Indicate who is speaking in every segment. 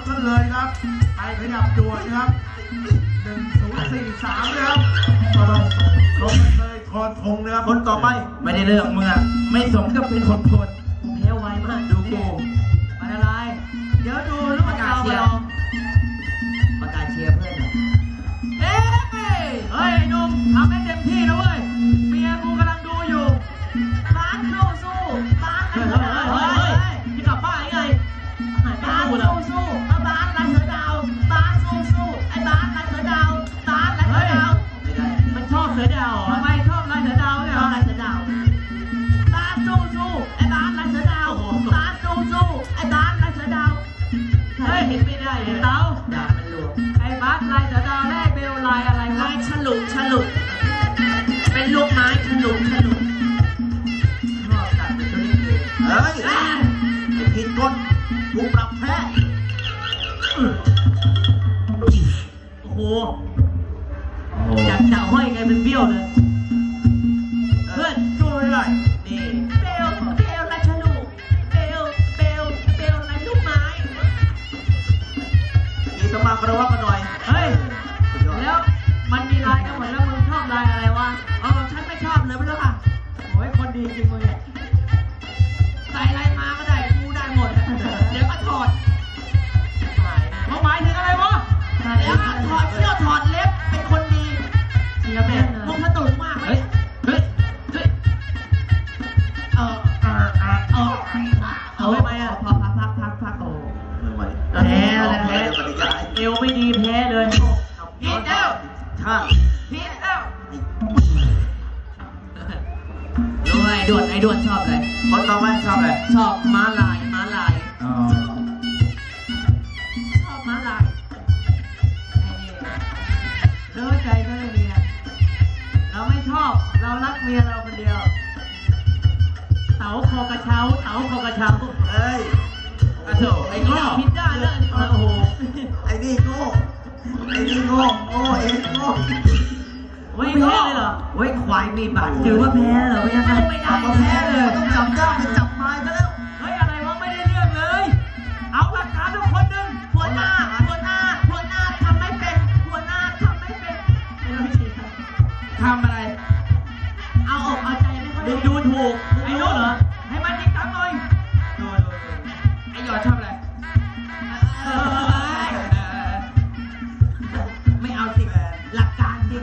Speaker 1: กันเลยครับไปขยับด่วนครับ1043นะครับลงเลยทอทงนะครับคนต่อไป
Speaker 2: ไม่ได้เรื่องมึงอะไม่สมกับเป็นคนโพด
Speaker 3: แพ้ไวมากดูกูอะไรเดี๋ยวดูลูกประกาศเชียร์ประกาศเชียร์เพื่อนหน่อยเฮ้ยนุ่มทำให้เต็มที่นะเว้ยเมียกูกำลังดูอยู่บ้านสู้บ้านเฮ้ยที่กลับบ้านยังไงบ้านสู้บ้านไรเสือดาวบ้านสู้ไอ้บ้านไรเสือดาวบ้านไรเสือดาวมันชอบเสือดาวทำไมชอบไรเสือดาวเนี่ยไรเสือดาวบ้านสู้ไอ้บ้านไรเสือดาวบ้านสู้ไอ้บ้านไรเสือดาวเฮ้ยเห็นไม่ได้เลยเต้าด่ามันหลวงไอ้บ้านไรเสือดาวแรกเบลลายอะไรลายฉลุเป็นลูกไม้ฉลุชอบตัดเป็นตัวนี้เลย
Speaker 1: เฮ้ยผิดกฎถูกปรับแพ้
Speaker 3: โอ้โหจากจะห้อยไงเป็นเบี้ยวเลยเพื่อน
Speaker 1: ช่วยได้
Speaker 3: นี่เบลไรฉลุเบลไรลูกไม้
Speaker 1: มีสมาคารวะกันหน่อย
Speaker 3: เฮ้ยแล้วมันมีลายกันหมดแล้วมึงชอบลายอะไรวะฉันไม่ชอบเลยไม่รู้ค่ะโอ้ยคนดีจริงมึงเนี่ยใส่อะไรมาก็ได้กูได้หมดเดี๋ยวก็ถอดหมายถึงอะไรวะแล้วถอดเสื้อถอดเล็บเป็นคนดีเสียแบบมึงสนุกมากไหมเอาไว้ไหมอ่ะพักโอ้แพ้อะไรแพ้เอวไม่ดีแพ้เลยผิดแล้วผิดแล้วรู้ไอ้ด่วนชอบเลย
Speaker 1: คนต่อไปชอบอะไร
Speaker 3: ชอบม้าลายชอบม้าลายเลิกใจก็เลยเมียเราไม่ชอบเรารักเมียเราคนเดียวเต๋าคอกระเช้า
Speaker 1: เฮ้ย
Speaker 3: ไอ้โง่ผิดได้เลยโอ้โห
Speaker 1: ไอ้นี่โง่เองโง่
Speaker 3: ไม่แพ้เลยเหรอเว้ยควายมีบาดถือว่าแพ้เหรอไม่ได้
Speaker 1: แพ้เลยต้องจับได้ไปจับไม้ซะแล้ว
Speaker 3: เฮ้ยอะไรวะไม่ได้เรื่องเลยเอาหลักฐานทุกคนหนึ่งหัวหน้าทำไม่เป็นทำอะไรเอาอกเอาใจไม่ค่อยดูถูกไอ้นู้นเหรอให้มันจริงจังหน่อยดูไอ้หยอดชอบอะไรไม่เอาสิหลักการสิ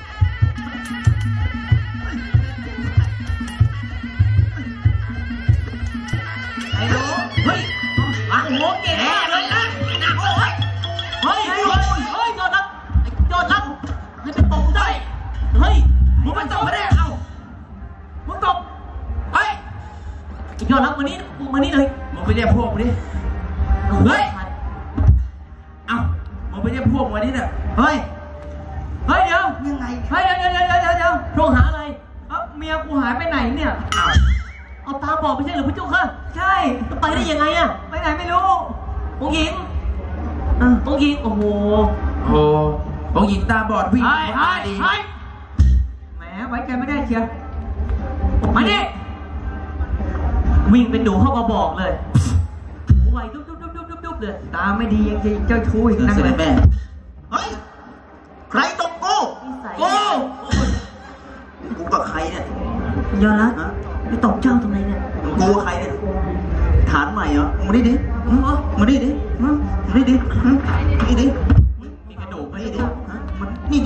Speaker 3: ไอ้รู้เฮ้ยโอ้โหเก่งมากเลยนะโอ้ยเฮ้ยโดนรับให้เป็นปมได้เฮ้ยมึงมันตบไม่ได้เอามึงตบเฮ้ยยอดรับมานี่เลย
Speaker 2: มึงไปเรียกพวกมึงดิ
Speaker 3: เฮ้ย
Speaker 2: เอ้ามึงไปเรียกพวกมึงนี่เนี่ย
Speaker 3: เฮ้ยเดี๋ยวยังไงเฮ้ยเดี๋ยวโทรหาอะไรเมียกูหายไปไหนเนี่ยเอาตาบอกไม่ใช่หรือพี่จุ๊กค่ะใช่ไปได้ยังไงอะไปไหนไม่รู้องค์หญิงโอ้โห
Speaker 2: องค์หญิงตาบอดวิ่ง
Speaker 3: มาดีแหมไว้ใจไม่ได้เชียวมาดิวิ่งเป็นดูเข้ามาบอกเลยไวดุ๊บเลยตาไม่ดียังจะเจ้าชู้อีกนั่งเลย
Speaker 1: แม่เฮ้ยใครตบกูกับใครเนี่ย
Speaker 3: ยอดรักไปตบเจ้าตรงไหนเนี่ย
Speaker 1: กูกับใครเนี่ยฐานใหม่เหรอมาดิมาดิ
Speaker 3: มีกระดูกไหมนี่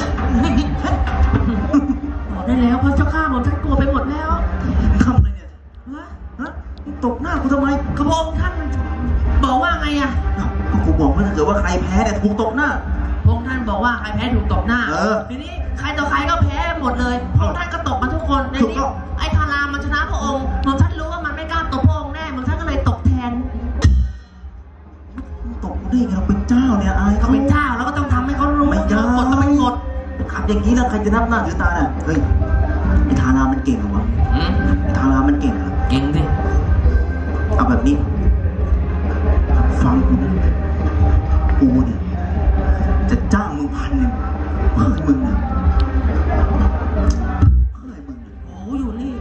Speaker 3: บอกได้แล้วเพราะเจ้าข้าหมดท่านกลัวไปหมดแล้ว
Speaker 1: ทำอะไรเนี่ยตบหน้ากูทำไม
Speaker 3: กระบอกท่านบอกว่าไงอะ
Speaker 1: กูบอกว่าถ้าเกิดว่าใครแพ้เนี่ยถูกตบหน้า
Speaker 3: พงท่านบอกว่าใครแพ้ถูกตบหน้าทีนี้ใครต่อใครก็แพ้หมดเลยพงท่านก็ตบมาทุกคนในนี้ไอ้ทารามันชนะพระองค์ท่านรู้ว่ามันไม่กล้าตบพระองค์แน่ท่านก็เลยตบแทน
Speaker 1: ตบได้ไงเราเป็นเจ้าเนี่ยอาย
Speaker 3: เขาเป็นเจ้าแล้วก็ต้องทำให้เขารู้
Speaker 1: ไม่ยากกดต้องไม่กดขับอย่างนี้แล้วใครจะนับหน้าถือตาเนี่ยเฮ้ยไอ้ทารามันเก่งเหรอวะไอ้ทารามันเก่งเหรอ
Speaker 3: เก่งดิ
Speaker 1: เอาแบบนี้ฟังกูนะกูเนี่ยจะจ้างมึง1,000เพื่อให้มึงเนี่ย
Speaker 3: โอ้อยู่นี่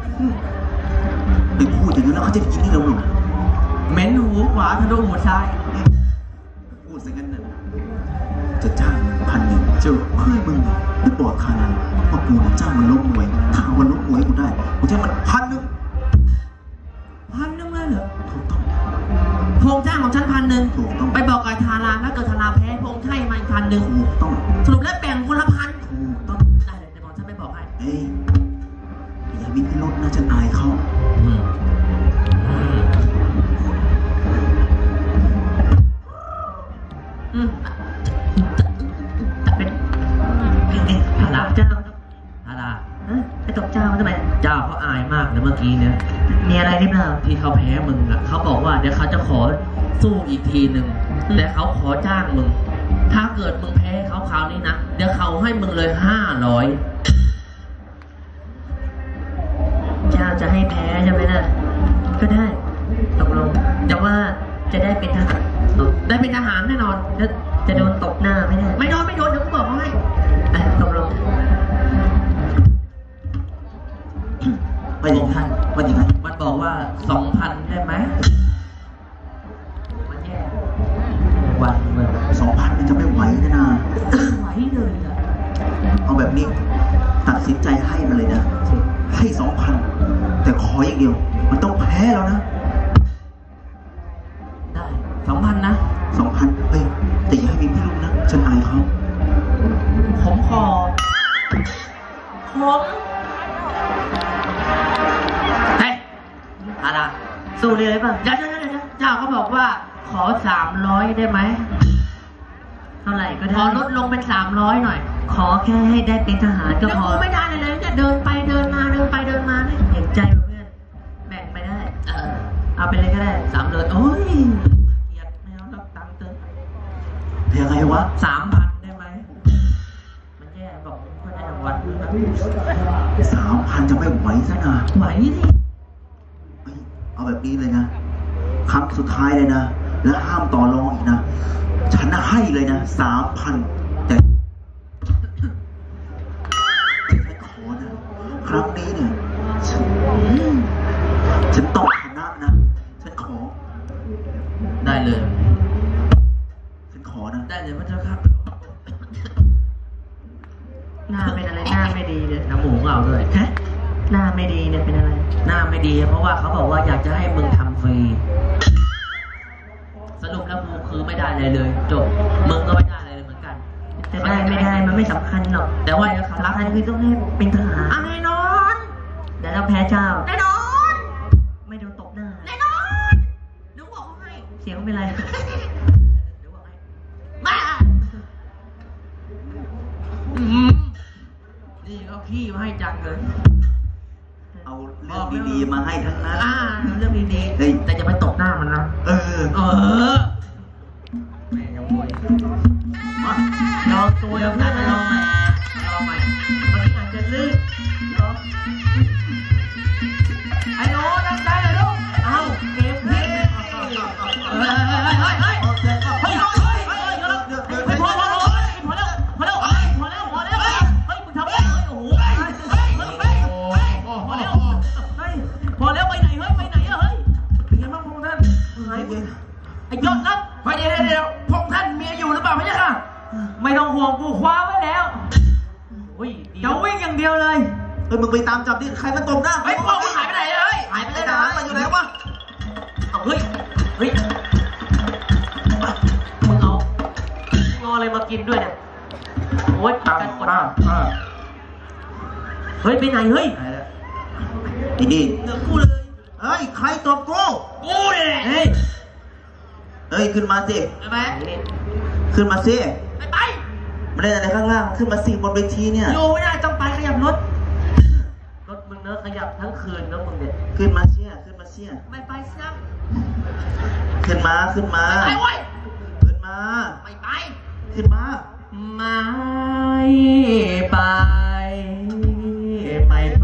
Speaker 1: ไปพูดอย่างนั้นแล้วเขาจะได้ยินที่เราหนึ่ง
Speaker 3: เหม็นหูขวาทะลุหูซ้าย
Speaker 1: เจ้าเพื่อนมึงได้บอกข้าแล้วว่ากูจ้างมันล้มมวยถ้าวันล้มมวยกูได้กูจะมัน1,000
Speaker 3: 1,000เลยเหรอ
Speaker 1: ถูกต้อง
Speaker 3: พงจ้างของฉัน1,000
Speaker 1: ถูกต้อง
Speaker 3: ไปบอกกับทาราถ้าเกิดทาราแพ้พงให้มาอีก1,000
Speaker 1: ถูกต้อง
Speaker 3: สรุปแล้วแบ่งคนละ1,000
Speaker 1: ถูกต้อง
Speaker 3: ได้เลยเดี๋ยวบอกฉันไปบอกให้
Speaker 1: เอ้ยอย่ามีพิรุษนะฉันอายเขา
Speaker 3: เป็นทาราเจ้าทาราไปตบเจ้าทำไมเจ้าเขาอายมากเลยเมื่อกี้เนี่ยมีอะไรหรือเปล่าที่เขาแพ้มึงอ่ะเขาบอกว่าเดี๋ยวเขาจะขอสู้อีกทีหนึ่งแต่เขาขอจ้างมึงถ้าเกิดมึงแพ้เขาคราวนี้นะเดี๋ยวเขาให้มึงเลย500เจ้าจะให้แพ้ใช่ไหมล่ะก็ได้ตกลงแต่ว่าจะได้เป็นทหารได้เป็นทหารแน่นอนจะโดนตบหน้าไม่ได้ไม่โดนเดี๋ยวกูบอกให้ตกลง
Speaker 1: ไปยังไงมันยังไง
Speaker 3: มันบอกว่า 2,000 ได้ไหมมันแย่วันเมื่อ
Speaker 1: 2,000มันจะไม่ไหวนะ
Speaker 3: ไหวเลยอ่ะ
Speaker 1: เอาแบบนี้ตัดสินใจให้มาเลยนะให้ 2,000แต่ขออย่างเดียวมันต้องแพ้แล้วนะ
Speaker 3: ได้ 2,000 นะ
Speaker 1: 2,000เฮ้ยแต่อย่าให้มีพิรุธนะฉันอายเขา
Speaker 3: ผมขอเฮ้ยอะไรสู้เลยป่ะเดี๋ยวเจ้าเขาบอกว่าขอ300ได้ไหมเท่าไหร่ก็ได้ขอลดลงเป็น300หน่อยขอแค่ให้ได้เป็นทหารก็พอไม่ได้เลยจะเดินไปเดินมาเนี่ยเห็นใจเพื่อนแบ่งไปได้เอาไปเลยก็ได้300โอ้ยเกลียดไม่เอารับตังค์เติม
Speaker 1: ยังไงวะ
Speaker 3: 3,000 ได้ไหมมันแย่บอกเพื่อนได้รางวัล
Speaker 1: 3,000จะไม่ไหวซะนะ
Speaker 3: ไหวดิ
Speaker 1: เฮ้ยเอาแบบนี้เลยนะครั้งสุดท้ายเลยนะและห้ามต่อรองอีกนะฉันให้เลยนะ 3,000แต่ฉันขอนะครั้งนี้เนี่ยฉันต้องชนะนะฉันขอ
Speaker 3: ได้เลย
Speaker 1: ฉันขอนะ
Speaker 3: ได้เลยพระเจ้าครับหน้าเป็นอะไรหน้าไม่ดีเนี่ยน้ำหมูของเราด้วยฮะหน้าไม่ดีเนี่ยเป็นอะไรหน้าไม่ดีเพราะว่าเขาบอกว่าอยากจะให้มึงทำฟรีสรุปแล้วกูคือไม่ได้เลยเลยจบมึงก็ไม่ได้เลยเหมือนกันจะได้ไม่ได้มันไม่สำคัญหรอกแต่ว่าสำคัญคือต้องให้เป็นทหารแน่นอนเดี๋ยวเราแพ้เจ้าแน่นอนไม่โดนตบหน้าแน่นอนดูบอกให้เสียงเป็นไรดูบอกให้บ้านี่เขาขี้มาให้จังเลย
Speaker 1: เอาเรื่องดีๆมาให้ทั้งนั้น
Speaker 3: เรื่องดีๆแต่จะไปตบหน้ามันนะ
Speaker 1: เออ
Speaker 3: แม่ยังมวยลองตัวแล้วนะลองใหม่มันอาจจะลื่นไอ้โน้ตั้งใจเลยลูกเอาเก็บเฮ้ยพอแล้วมึงทำอะไรโอ้โหพอแล้วไปไหนเฮ้ยเป็นไงบ้างพงท่านไอ้ยอดรักไปเดี๋ยวพงท่านเมียอยู่หรือเปล่าไม่ใช่ค่ะไม่ต้องห่วงกูคว้าไว้แล้วจะวิ่งอย่างเดียวเลย
Speaker 1: เฮ้ยมึงไปตามจับดิใครมันตบหน้า
Speaker 3: ไอ้พวกมันหายไปไหนเลยหายไปเลยนะ
Speaker 1: มันอยู่ไหนวะ
Speaker 3: เฮ้ยมึงเอาอะไรมากินด้วยเนี่ยโอ๊ยกันคนเฮ้ยไปไหนเฮ้ย
Speaker 1: นี่
Speaker 3: เดี๋ยวกูเลย
Speaker 1: เฮ้ยใครตบกู
Speaker 3: กูเนี่ยเฮ้ย
Speaker 1: ขึ้นมาสิ
Speaker 3: ไปไหม
Speaker 1: ขึ้นมาสิ
Speaker 3: ไป
Speaker 1: มาเล่นอะไรข้างล่างขึ้นมาสิบนเวทีเนี่ย
Speaker 3: อยู่ไม่ได้ต้องไปขยับรถมึงเนอะขยับทั้งคืนแล้วมึงเนี่ย
Speaker 1: ขึ้นมาเสีย
Speaker 3: ไม่ไปซัก
Speaker 1: ขึ้นมา
Speaker 3: ไปเว้ย
Speaker 1: ขึ้นมา
Speaker 3: ไม่ไป
Speaker 1: ขึ้นมา
Speaker 3: ไม่ไปไม่ไป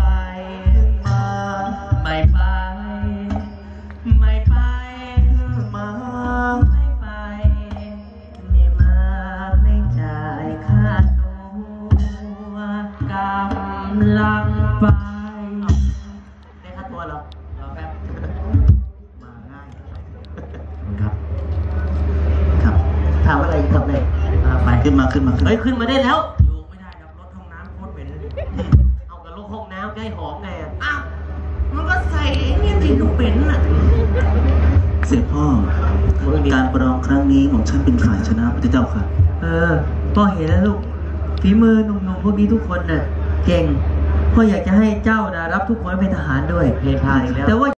Speaker 3: ไม่ไปไม่ไป
Speaker 1: มา
Speaker 3: ไม่ไปไม่มาไม่จ่ายค่าตัวกำลังไปได้ค่าตัวเหรอเราแป๊บมาง่ายครับ
Speaker 1: ครับ
Speaker 3: ถามอะไรอีกครับเนี่ยไป
Speaker 1: ขึ้นมา
Speaker 3: เฮ้ยขึ้นมาได้แล้ว
Speaker 2: อยู่ไม่ได้ครับรถห้องน้ำโคตรเหม็นเลย
Speaker 3: เอากับลูกห้องน้ำได้หอมไงอะ
Speaker 2: อ้าวมันก็ใส่เนี่ยติดลูกเป็นน่ะ
Speaker 1: เสด็จพ่อการประลองครั้งนี้ของฉันเป็นฝ่ายชนะพระเจ้าค่ะ
Speaker 4: พ่อเห็นแล้วลูกฝีมือหนุ่มๆพวกนี้ทุกคนน่ะเก่งพ่ออยากจะให้เจ้านะรับทุกคนเป็นทหารด้วย
Speaker 3: เพลงพาอีกแล้ว
Speaker 4: แต่ว่า